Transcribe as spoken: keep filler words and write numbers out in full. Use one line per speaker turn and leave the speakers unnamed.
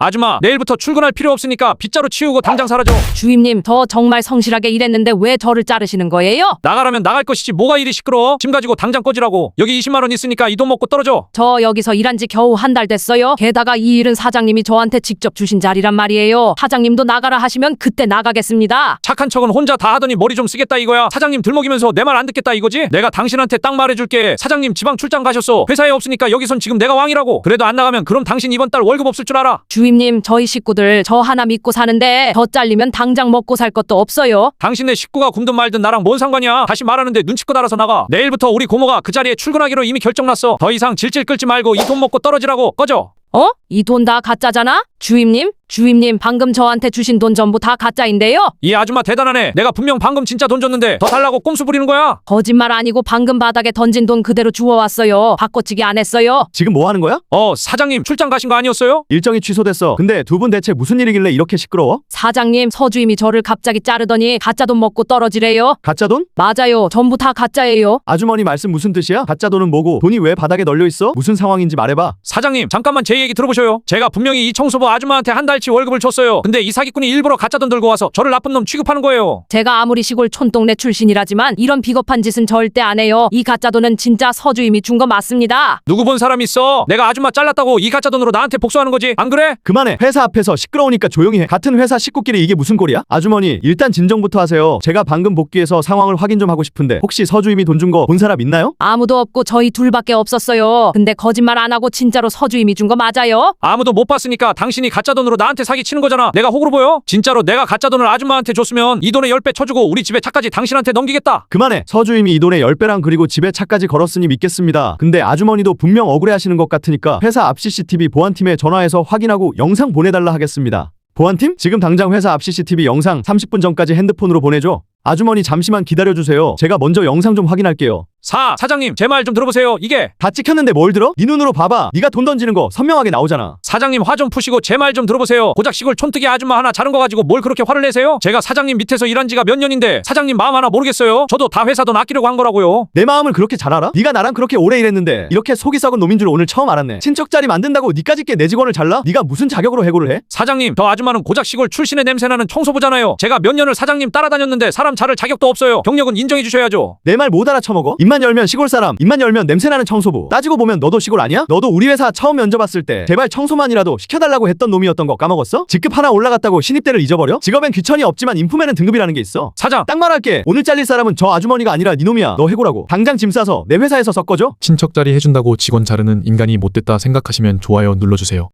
아줌마, 내일부터 출근할 필요 없으니까 빗자루 치우고 당장 사라져.
주임님, 저 정말 성실하게 일했는데 왜 저를 자르시는 거예요?
나가라면 나갈 것이지 뭐가 이리 시끄러워. 짐 가지고 당장 꺼지라고. 여기 이십만 원 있으니까 이 돈 먹고 떨어져.
저 여기서 일한 지 겨우 한 달 됐어요. 게다가 이 일은 사장님이 저한테 직접 주신 자리란 말이에요. 사장님도 나가라 하시면 그때 나가겠습니다.
착한 척은 혼자 다 하더니 머리 좀 쓰겠다 이거야. 사장님 들먹이면서 내 말 안 듣겠다 이거지? 내가 당신한테 딱 말해줄게. 사장님 지방 출장 가셨어. 회사에 없으니까 여기선 지금 내가 왕이라고. 그래도 안 나가면 그럼 당신 이번 달 월급 없을 줄 알아.
주임님, 저희 식구들 저 하나 믿고 사는데 저 잘리면 당장 먹고 살 것도 없어요.
당신네 식구가 굶든 말든 나랑 뭔 상관이야. 다시 말하는데 눈치껏 알아서 나가. 내일부터 우리 고모가 그 자리에 출근하기로 이미 결정났어. 더 이상 질질 끌지 말고 이 돈 먹고 떨어지라고. 꺼져.
어? 이 돈 다 가짜잖아? 주임님? 주임님, 방금 저한테 주신 돈 전부 다 가짜인데요?
이 아줌마 대단하네. 내가 분명 방금 진짜 돈 줬는데 더 달라고 꼼수 부리는 거야?
거짓말 아니고 방금 바닥에 던진 돈 그대로 주워왔어요. 바꿔치기 안 했어요.
지금 뭐 하는 거야?
어, 사장님 출장 가신 거 아니었어요?
일정이 취소됐어. 근데 두 분 대체 무슨 일이길래 이렇게 시끄러워?
사장님, 서주임이 저를 갑자기 자르더니 가짜 돈 먹고 떨어지래요.
가짜 돈?
맞아요. 전부 다 가짜예요.
아주머니 말씀 무슨 뜻이야? 가짜 돈은 뭐고 돈이 왜 바닥에 널려 있어? 무슨 상황인지 말해봐.
사장님 잠깐만 제 얘기 들어보셔요. 제가 분명히 이 청소부 아줌마한테 한 달치 월급을 줬어요. 근데 이 사기꾼이 일부러 가짜 돈 들고 와서 저를 나쁜 놈 취급하는 거예요.
제가 아무리 시골 촌동네 출신이라지만 이런 비겁한 짓은 절대 안 해요. 이 가짜 돈은 진짜 서주임이 준 거 맞습니다.
누구 본 사람 있어? 내가 아줌마 잘랐다고 이 가짜 돈으로 나한테 복수하는 거지. 안 그래?
그만해. 회사 앞에서 시끄러우니까 조용히 해. 같은 회사 식구끼리 이게 무슨 꼴이야? 아주머니 일단 진정부터 하세요. 제가 방금 복귀해서 상황을 확인 좀 하고 싶은데 혹시 서주임이 돈 준 거 본 사람 있나요?
아무도 없고 저희 둘밖에 없었어요. 근데 거짓말 안 하고 진짜로 서주임이 준 거 맞아요?
아무도 못 봤으니까 당신이 가짜 돈으로 나한테 사기 치는 거잖아. 내가 호구로 보여? 진짜로 내가 가짜 돈을 아줌마한테 줬으면 이 돈의 십 배 쳐주고 우리 집에 차까지 당신한테 넘기겠다.
그만해. 서주임이 이 돈의 십 배랑 그리고 집에 차까지 걸었으니 믿겠습니다. 근데 아주머니도 분명 억울해하시는 것 같으니까 회사 앞 씨씨티비 보안팀에 전화해서 확인하고 영상 보내달라 하겠습니다. 보안팀? 지금 당장 회사 앞 씨씨티비 영상 삼십 분 전까지 핸드폰으로 보내줘. 아주머니 잠시만 기다려주세요. 제가 먼저 영상 좀 확인할게요.
사, 사장님 제 말 좀 들어보세요. 이게
다 찍혔는데 뭘 들어? 네 눈으로 봐봐. 네가 돈 던지는 거 선명하게 나오잖아.
사장님 화 좀 푸시고 제 말 좀 들어보세요. 고작 시골 촌뜨기 아줌마 하나 자른 거 가지고 뭘 그렇게 화를 내세요? 제가 사장님 밑에서 일한 지가 몇 년인데 사장님 마음 하나 모르겠어요? 저도 다 회사 돈 아끼려고 한 거라고요.
내 마음을 그렇게 잘 알아? 네가 나랑 그렇게 오래 일했는데 이렇게 속이 썩은 놈인 줄 오늘 처음 알았네. 친척 자리 만든다고 니까짓 게 내 직원을 잘라? 네가 무슨 자격으로 해고를 해?
사장님 저 아줌마는 고작 시골 출신의 냄새나는 청소부잖아요. 제가 몇 년을 사장님 따라다녔는데 사람 자를 자격도 없어요. 경력은 인정해 주셔야죠.
내 말 못 알아쳐먹어? 입만 열면 시골 사람, 입만 열면 냄새나는 청소부. 따지고 보면 너도 시골 아니야? 너도 우리 회사 처음 면접 왔을 때 제발 청소만이라도 시켜달라고 했던 놈이었던 거 까먹었어? 직급 하나 올라갔다고 신입대를 잊어버려? 직업엔 귀천이 없지만 인품에는 등급이라는 게 있어.
사장
딱 말할게. 오늘 잘릴 사람은 저 아주머니가 아니라 네 놈이야. 너 해고라고. 당장 짐 싸서 내 회사에서 섞어줘.
친척 자리 해준다고 직원 자르는 인간이 못됐다 생각하시면 좋아요 눌러주세요.